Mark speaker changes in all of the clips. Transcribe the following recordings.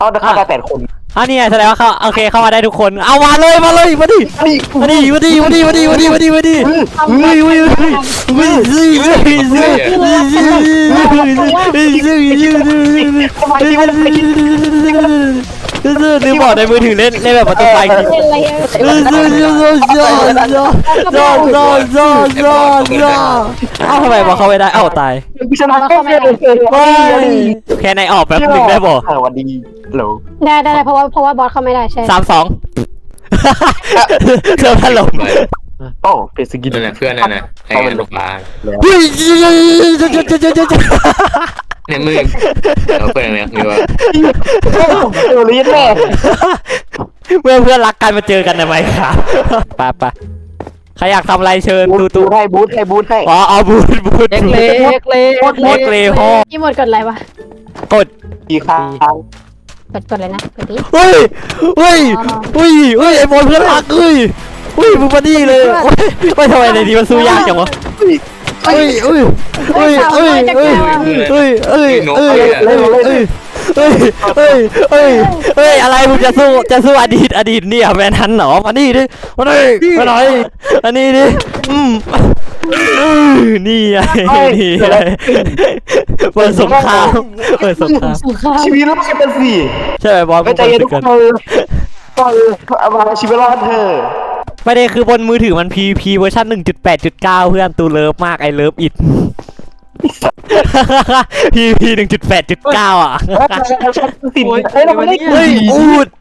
Speaker 1: เอาเดี๋ยวเข้าไป8 คน
Speaker 2: นี่ไงแสดงว่าเขาโอเคเข้ามาได้ทุกคนเอามาเลยมาดิมาดินึกบอกในมือถือเล่นแบบประตูไฟทำไมบอกเขาไม่ได้ตาย
Speaker 1: ชนะก็ไม่ได้
Speaker 2: แค่ในออกแบบนึงได้บอก
Speaker 1: วันดีโหล
Speaker 3: ได้เพราะว่าบอสเข้าไม่ได้ใช่
Speaker 2: 3-2เจอพัดลม
Speaker 1: โอ้เป็นสกิน
Speaker 4: เพื่อนนะไอ้ลูกปลาเนี่ยมึงเพื่อนเนี่ยมีว่า
Speaker 1: รีดแม่
Speaker 2: เพื่อนรักกันมาเจอกันทำไมครับไปใครอยากทำอะไรเชิญตู
Speaker 1: ให้บูทให้
Speaker 2: เอาบูท
Speaker 3: เล็ก
Speaker 2: พ่อ
Speaker 3: พี่หมดกดอะไรวะ
Speaker 2: กด
Speaker 1: กี่ครั้ง
Speaker 3: กดเลยนะกดดิ
Speaker 2: เฮ้ยไอ้บอลเพื่อนรักมึงมาดีเลยไม่ทำไมในนี้มันสู้ยากจังวะอะไรมึงจะสู้อดีตเนี่ยแมนทันเหรอมาดิมาหน่อยอันนี้ดินี่ไงนี่ไงเปิดสงคราม
Speaker 1: ชีวิตรอดกันสิ
Speaker 2: ใช่ไหมบอล
Speaker 1: ไม่ใจเย็นทุกคนเอามาชีวิตรอดเธอ
Speaker 2: ประเด็นคือบนมือถือมัน PVP เวอร์ชัน 1.8.9 เพื่อนตูเลิฟมากไอเลิฟอิท PVP 1.8.9 อ่ะอูด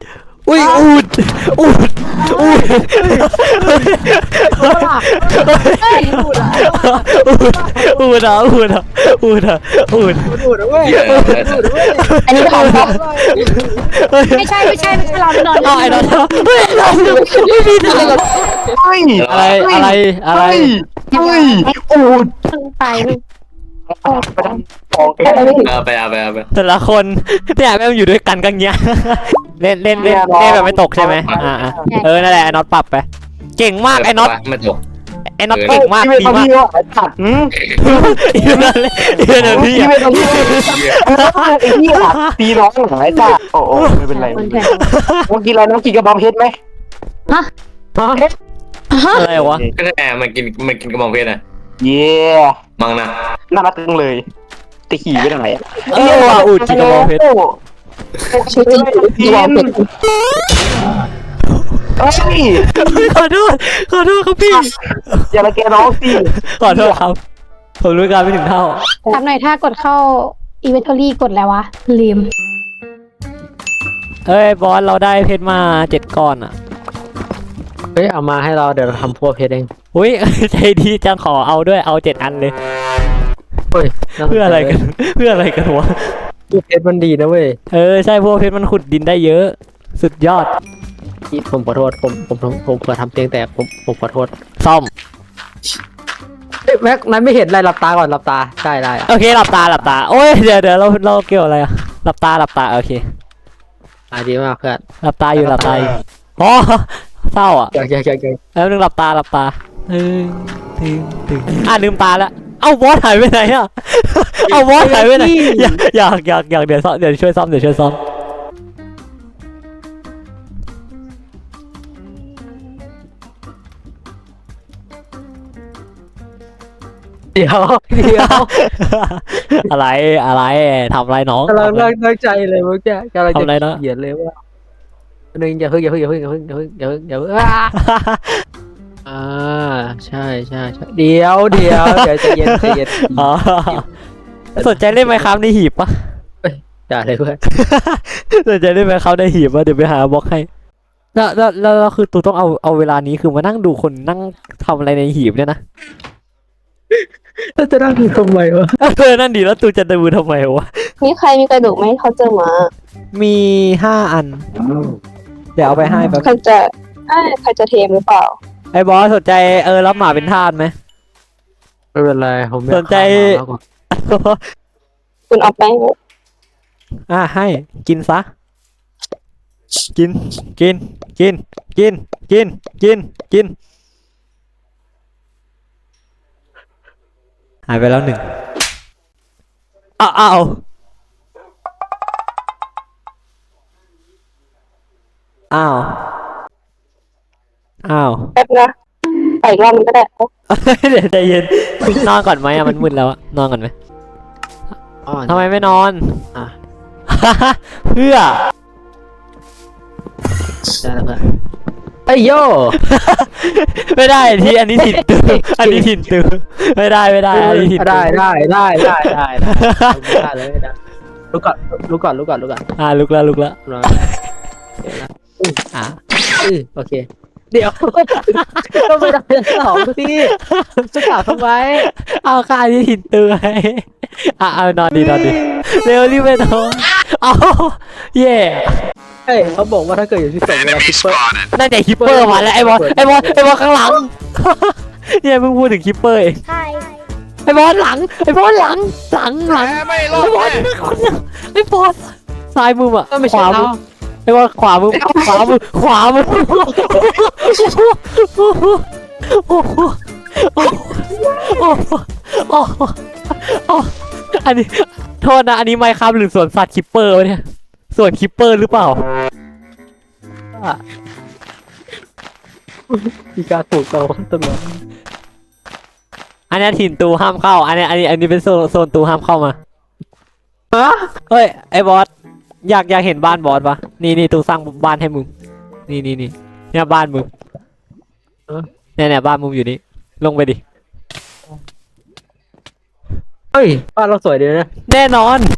Speaker 3: อันนี้ของไม่ใช่เราไม่นอน
Speaker 2: ไอ้นอนอะไร
Speaker 1: อูด
Speaker 3: ไป
Speaker 2: แต่ละคนเนี่ยแม่งอยู่ด้วยกันกันเงี้ยเล่นแบบไม่ตกใช่ไหมนั่นแหละไอ้น็อตปรับไปเก่งมากไอ้น็อต
Speaker 4: ไม่ตก
Speaker 2: ไอ้น็อตเก่งมากดีมาก
Speaker 1: ตัด
Speaker 2: อีเวนต์นี่
Speaker 1: ตีน้องหายจ้าโอ้ไม่เป็นไรเมื่อกี้เราน้องกินกระบองเพชรไหม
Speaker 2: อะไรวะ
Speaker 4: ก็แอบมันกินกระบองเพชรนะ
Speaker 1: เย่
Speaker 4: มังนะ
Speaker 1: น่ารักจังเลยจะขี่ไปทางไหน
Speaker 2: อูดกินกระบองเพชร
Speaker 3: ชื่อจริงกระบองเพชร
Speaker 2: ขอโทษครับพี่
Speaker 1: อย่าละแกน้องสิ
Speaker 2: ขอโทษครับผมรู้การไม่ถึงเท่า
Speaker 3: ทำหน่อยถ้ากดเข้าอีเวนทอรี่กดแล้ววะลืม
Speaker 2: บอสเราได้เพชรมา7 ก้อนอ่ะ
Speaker 5: เอามาให้เราเดี๋ยวเราทำพวกเพชรเอง
Speaker 2: ใจดีจังขอเอาด้วยเอา7 อันเลยเพื่ออะไรกันวะ
Speaker 5: พวกเพชรมันดีนะเว้ย
Speaker 2: ใช่พวกเพชรมันขุดดินได้เยอะสุดยอด
Speaker 5: ผมขอโทษผมเผื่อทำเตียงแตกผมขอโทษ
Speaker 2: ซ่อม
Speaker 5: แม็กนั้นไม่เห็นอะไรหลับตาก่อนหลับตาได้
Speaker 2: โอเคหลับตาโอ้ยเดี๋ยวเราเกี่ยวอะไรอะหลับตาโอเค
Speaker 5: ดีมากเพื่อน
Speaker 2: หลับตาอยู่อ๋อเศร้าอ่ะแล้วนึงหลับตาลืมตาแล้วเอาบอสหายไปไหนอ่ะเอาบอสหายไปไหนอยากเดี๋ยวช่วยซ่อมเดี๋ยวอะไรทำอะไรน้อง
Speaker 5: กำลังตั้งใจเลยเมื่อกี้กำลังจะเขียนเลยว่านึงอย่าเพิ่งใช่เดี๋ยวใจเย็น
Speaker 2: สนใจเล่นไหมครับในหีบปะ
Speaker 5: ด่าเลยเพื่อน
Speaker 2: สนใจเล่นไหมครับในหีบปะเดี๋ยวไปหาบล็อกให้แล้วคือตูต้องเอาเวลานี้คือมานั่งดูคนนั่งทำอะไรในหีบเนี่ยนะ
Speaker 5: จะนั่งดูทำไมวะ
Speaker 2: นั่นดีแล้วตูจะดูทำไมวะ
Speaker 3: มีใครมีกระดูกไหมเขาเจอมา
Speaker 2: มี5 อันเดี๋ยวเอาไปให้แบบ
Speaker 3: ใครจะเทมหรือเปล่า
Speaker 2: ไอ้บอสสนใจรับหมาเป็นทาสไหม
Speaker 5: ไม่เป็นไรผม
Speaker 2: สนใจ
Speaker 3: คุณเอาไป
Speaker 2: ให้กินซะกินหายไปแล้ว1อ้าวอ้าวอ้าว
Speaker 1: แป๊บนะไปอีกรอบนึงก็ได้
Speaker 2: เดี๋ยวใจเย็นนอนก่อนไหมอะมันมืดแล้วอะนอนก่อนไหมทำไมไม่นอน
Speaker 5: อ่ะ
Speaker 2: เพื่อ
Speaker 5: ได้แล้วเพื่อนไอ้ยโย่
Speaker 2: ไม่ได้ที่อันนี้ถิ่นตืออันนี้ถิ่นตือไม่ได้อันนี้ถิ่นตือ
Speaker 5: ได้เลยได้ลุกก่อนลุกก่อน
Speaker 2: ลุกแล้ว อ่ะ
Speaker 5: โอเคเดี๋ยวก็ไม่ได้สองพี่จะกลับทำไม
Speaker 2: เอาค่าอันนี้ถิ่นตือไงเอานอนดีเร็วรีบไปนอนเอาเย่
Speaker 5: เฮ้ยเขาบอกว่าถ้าเกิดอยู่ที่สองเวลาคิปเปอร์
Speaker 2: น่าจะคิปเปอร์มาแล้วไอ้บอลข้างหลังเนี่ยเพิ่งพูดถึงคิปเปอร์เอง
Speaker 3: ใช่
Speaker 2: ไอ้บอลหลังไอ้บอลหลังไอ้บอลไอ้บอลซ้ายมืออ่ะ
Speaker 5: ก็ไม่
Speaker 2: ข
Speaker 5: ใช่
Speaker 2: วามื
Speaker 5: เรา
Speaker 2: อไอ้บอลขวามืออันนี้โทษนะอันนี้ไมค์ครับหรือสวนสัตว์คิปเปอร์วะเนี่ยสวนคิปเปอร์หรือเปล่า
Speaker 5: มีการถูกเราต้นไม้
Speaker 2: อันนี้ถิ่นตูห้ามเข้าอันนี้เป็นโซนตูห้ามเข้ามา
Speaker 5: ฮะ
Speaker 2: เฮ้ยไอ้บอสอยากเห็นบ้านบอสปะนี่ตูสร้างบ้านให้มึงนี่เนี่ยบ้านมึงเนี่ยบ้านมึงอยู่นี่ลงไปดิ
Speaker 5: เฮ้ยบ้านเราสวยดีนะ
Speaker 2: แน่นอน